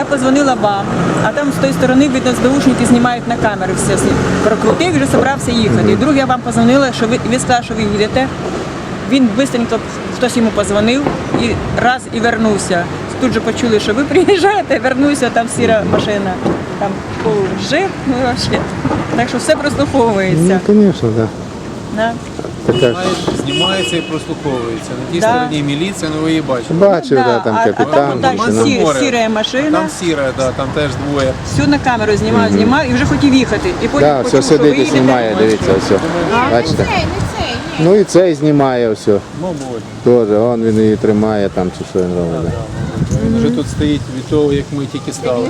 Я позвонила вам, а там з тої сторони, видно, СБУшники знімають на камеру все. Прокрутив і вже зібрався їхати. І друг я вам позвонила, що ви сказали, що ви їдете. Він швидко, хтось йому позвонив і вернувся. Тут же почули, що ви приїжджаєте, вернувся, там сіра машина, там жив, ну взагалі. Так що все прослуховується. Ну, звісно, так. Да. Знімається і прослуховується. На тій стороні міліція, ну ви її бачите. Бачив, да, там а капітан. там сіра машина. Там сіра, да, там теж двоє. Всю на камеру знімав і вже хотів їхати. І потім Так, почув, все що ви сидить і їдете. знімає, дивіться, все. Бачите? Ну і цей знімає все. Мабуть. Теж, він її тримає там, чи що він робить. Він вже тут стоїть від того, як ми тільки стали.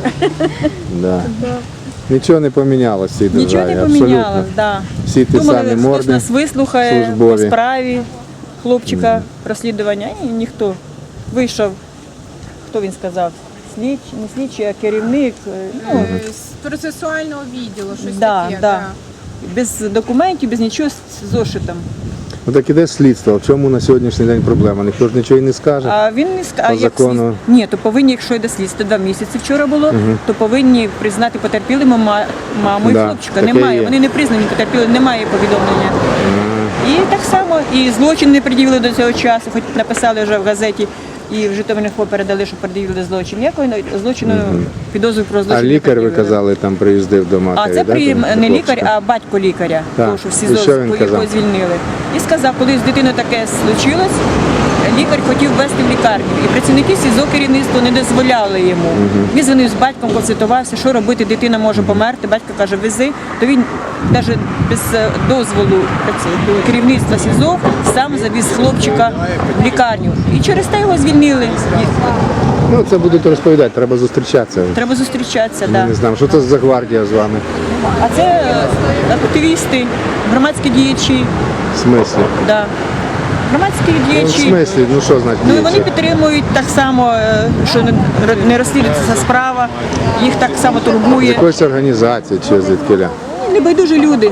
Да. Нічого не помінялося в цій державі, Нічого не абсолютно. помінялось, да. Всі ті Думали, самі хтось морди нас вислухає по службові. справі хлопчика розслідування, і ніхто. Вийшов, хто він сказав, не слідчий, а керівник. Ну, З процесуального відділу, щось да, таке. да. Без документів, без нічого, з зошитом. Ну так іде слідство. В чому на сьогоднішній день проблема? Ніхто ж нічого і не скаже. А він не скаже, По закону. Ні, то повинні, якщо йде слідство, 2 місяці вчора було, то повинні признати потерпілими маму і Да, хлопчика. таке Немає, є. вони не признані потерпіли, немає повідомлення. І так само, і злочин не пред'явили до цього часу, хоч написали вже в газеті, і в Житомир-Інфо передали, що пред'явили злочин. Ніякого злочину, підозру про злочин А не лікар, ви пред'явили. казали, там приїздив до матері, А це да, не до лікар, хлопчика? а батько лікаря, Так. тому що в І СІЗО, що він якого казав? звільнили. І сказав, коли з дитиною таке случилось, лікар хотів ввести в лікарню. І працівники СІЗО керівництво не дозволяли йому. Він дзвонив з батьком, консультувався, що робити, дитина може померти. Батько каже, вези. То він навіть без дозволу керівництва СІЗО сам завіз хлопчика в лікарню. І через те його звільнили. Ну, це будуть розповідати, треба зустрічатися. Треба зустрічатися, Ми так. не знаємо, що це за гвардія з вами. А це активісти, громадські діячі. В смислі? Да. Громадські Ну, в діячі. смислі, ну що значить Ну і вони діячі? підтримують так само, що не розслідується справа, їх так само З турбує. якоїсь організації чи звідкіля? Небайдужі люди.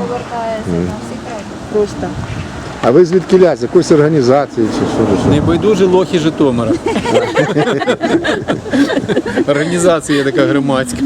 Просто. А ви звідкіля? З якоїсь організації чи що? Небайдужі лохи Житомира. Організація є така громадська.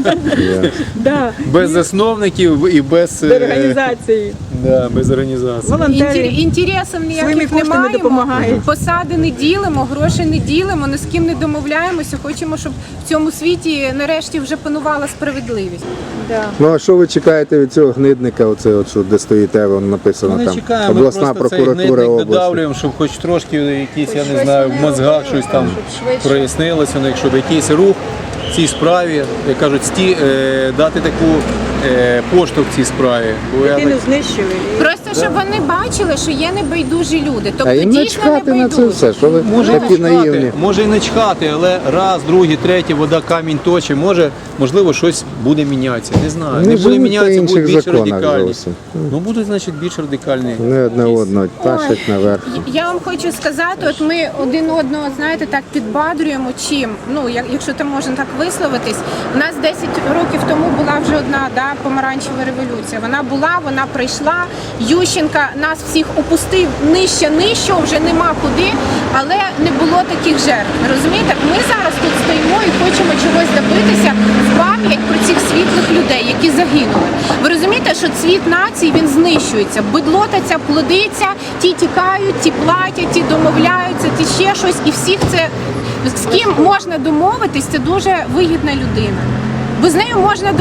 Да. Без засновників і без Організації. Да, без організації. Волонтери Інтересів своїми ніяких коштами немає. допомагають. Посади не ділимо, грошей не ділимо, ні з ким не домовляємося. Хочемо, щоб в цьому світі нарешті вже панувала справедливість. Да. Ну а що ви чекаєте від цього гнидника, оце от, що де стоїте, воно написано Ми там, чекаємо, ми обласна просто цей прокуратура гнидник області. додавлюємо, щоб хоч трошки якісь, я не знаю, в мозгах щось там прояснилося, ну, щоб якийсь рух в цій справі, як кажуть, дати таку поштовх цій справі. Бо я Дитину так- знищили. Просто щоб вони бачили, що є небайдужі люди. А Тобто їм дійсно начхати на це небайдужі. все, що ви такі наївні. Може і не чхати, але раз, другий, третій, вода камінь точить, можливо, щось буде мінятися. Не знаю. Вони Не буде живуть по мінятися, будуть інших більш законах радикальні. зовсім. Ну будуть, значить, більш радикальні. Не одне одного тащать наверх. Я вам хочу сказати, от ми один одного, знаєте, так підбадрюємо чим. Ну, якщо там можна так висловитись, у нас 10 років тому була вже одна помаранчева революція. Вона була, вона прийшла. Ющенка нас всіх опустив нижче, вже нема куди, але не було таких жертв. Розумієте? Ми зараз тут стоїмо і хочемо чогось добитися в пам'ять про цих світлих людей, які загинули. Ви розумієте, що цвіт нації, він знищується. Бидлота ця плодиться, ті тікають, ті платять, ті домовляються, ті ще щось. І всіх це, з ким можна домовитись, це дуже вигідна людина. Бо з нею можна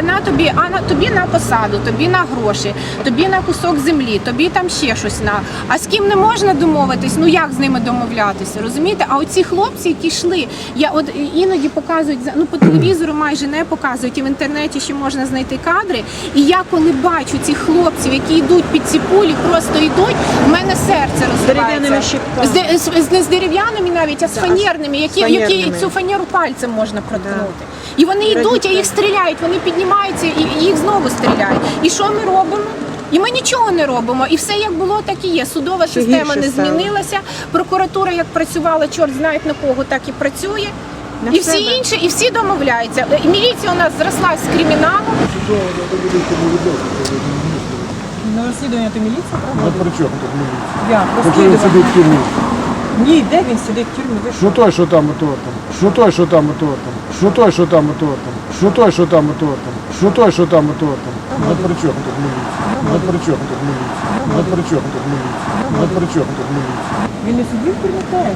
тобі на посаду, тобі на гроші, тобі на кусок землі, тобі там ще щось на. А з ким не можна домовитись, ну як з ними домовлятися, розумієте? А оці хлопці, які йшли, от іноді показують, ну по телевізору майже не показують, і в інтернеті ще можна знайти кадри. І я коли бачу цих хлопців, які йдуть під ці пулі, просто йдуть, в мене серце дерев'яними розривається. щипками. Не з дерев'яними навіть, а з фанерними, які цю фанеру пальцем можна проткнути. І вони йдуть, а їх стріляють, вони піднімаються і їх знову стріляють. І що ми робимо? І ми нічого не робимо. І все як було, так і є. Судова система не змінилася, прокуратура як працювала, чорт знає на кого, так і працює. І всі інші, і всі домовляються. І міліція у нас зросла з криміналом. На розслідування то міліція, правда? Ну при чому тут міліція? Я Поки він сидить в тюрмі. Ні, де він сидить в тюрмі? Ви що? Що той, що там, ото там? Що той, що там, ото там? Що той, що там, ото там? Що той, що там, ото там? Що той, що там, ото там? Ну при чому тут міліція? Ну при чому тут міліція? Ну при чому тут міліція? Ну при чому тут міліція? Він не сидів в тюрмі теж.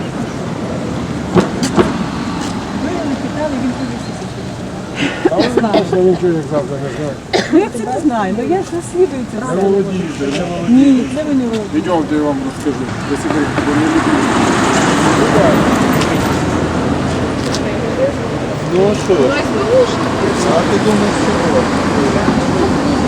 Ви його не питали, він повісився. А ви знаєте, я нічого як завжди не знаю. Ну як це не знаю, ну я ж розслідую це Не все. володієте, не володієте. Ні, це ви не володієте. Йдемте, я вам розкажу. Ви себе бо не любите. Ну а що? А ти думаєш, що?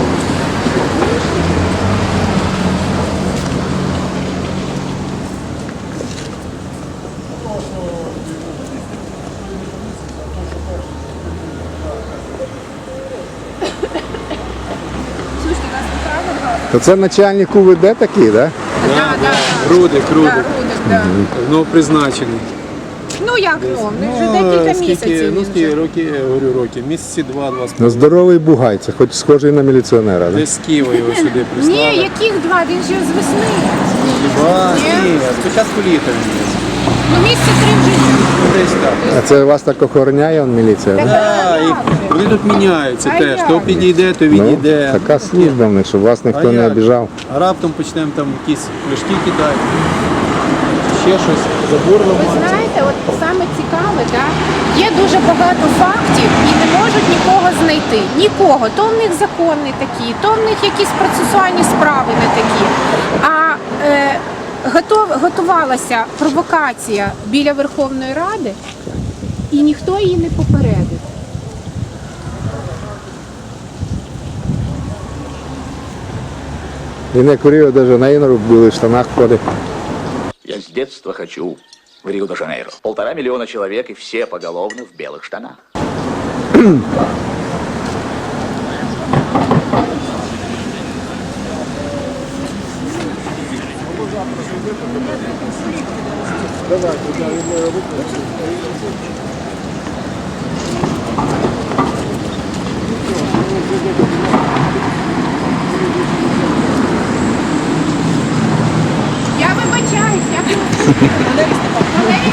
То це начальник УВД такий, так? Да? Рудик, Рудик. Да. Ну, призначений. Ну як ну вже декілька місяців. Ну, він скільки вже. років, я говорю, років, місяці два з Ну, здоровий бугай, це хоч схожий на міліціонера, так? Да? Десь з Києва його сюди прислали. Ні, яких два? Він же з весни. Хіба? Ні. Ні, спочатку літа. Ну місяці 3 вже. Ну, десь так. А це вас так охороняє он міліція? Да? Да, і вони тут міняються А теж. як? То підійде, то Ну, відійде. така служба в них, щоб вас ніхто А не як? обіжав. А раптом почнемо там якісь пляшки кидати, ще щось, забор Ви ламати. знаєте, от саме цікаве, да? Є дуже багато фактів і не можуть нікого знайти. Нікого. То в них закони такі, то в них якісь процесуальні справи не такі. А готувалася провокація біля Верховної Ради, і ніхто її не попередив. Він як у Ріо-де-Жанейро були в штанах ходить. Я с детства хочу в Рио-де-Жанейро. 1,5 миллиона человек и все поголовно в белых штанах. Я вибачаюсь, я Валерій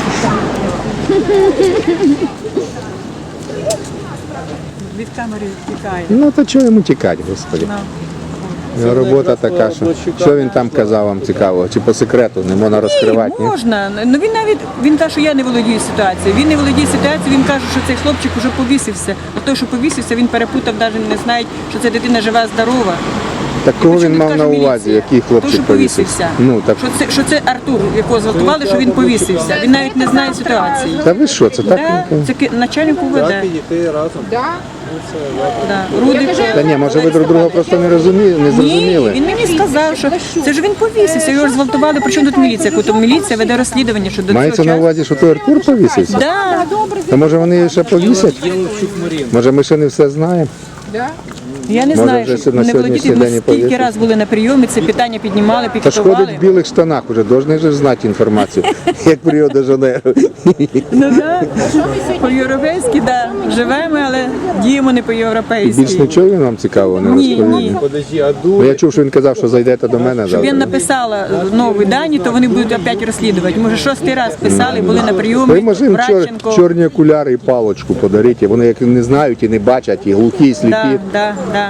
Від камери втікає. Ну то чого йому тікати, господи? Його робота така, що він там казав вам цікавого? Чи по секрету не можна розкривати? Ні? Можна. Ну він навіть він каже, що я не володію ситуацією. Він не володіє ситуацією, він каже, що цей хлопчик вже повісився. А той, що повісився, він перепутав, навіть не знає, що ця дитина жива, здорова. Так кого Причому він тут мав каже на увазі, міліція. який Той, хлопчик що повісився. Ну так. Що це Артур, якого зґвалтували, що він повісився. Він навіть не знає ситуації. Та ви що, це так? Да, це начальник УВД. Так, підійти разом. Да. Да. Рудик. Та ні, може ви друг друга просто не Ні, зрозуміли. він мені сказав, що це ж він повісився, його ж зґвалтували, причому тут міліція, яку там міліція веде розслідування, що до цього Мається на часу. увазі, що той Артур повісився? Да. То може вони її ще повісять? Єловчук Марін. Може ми ще не все знаємо? Да. Я не Може, знаю, вже що на не сьогоднішній володіти. Ми день і скільки повісять. раз були на прийомі, це питання піднімали, Та ж ходить в пікетували. білих штанах уже, должны же знати інформацію, як в Ріо-де-Жанейро. Ну да. По-європейськи, да. Живемо, але діємо не Більш по-європейськи. нічого він вам цікавого не Ні, розповів? ні. Подожди, а Ну, я дур? чув, що він казав, що зайдете до мене Щоб я завтра. написала нові дані, то вони будуть опять розслідувати. Може, 6-й раз писали, були на Ви прийомі, може їм Братченко. чорні окуляри і палочку подарити, вони як не знають і не бачать, і глухі, і сліпі. Да, да, да.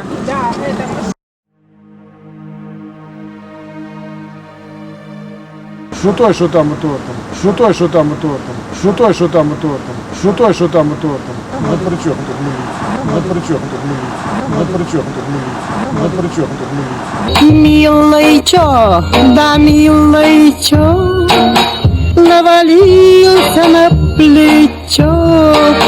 Що той, що там, ото там? Що той, що там, ото там? Що той, що там, ото там? Що той, що там, ото там? Ну при чому тут міліція? Ну при чому тут міліція? Ну при чому тут міліція? Ну при чому тут міліція? Милый чё, да милый чё, навалился на плечо.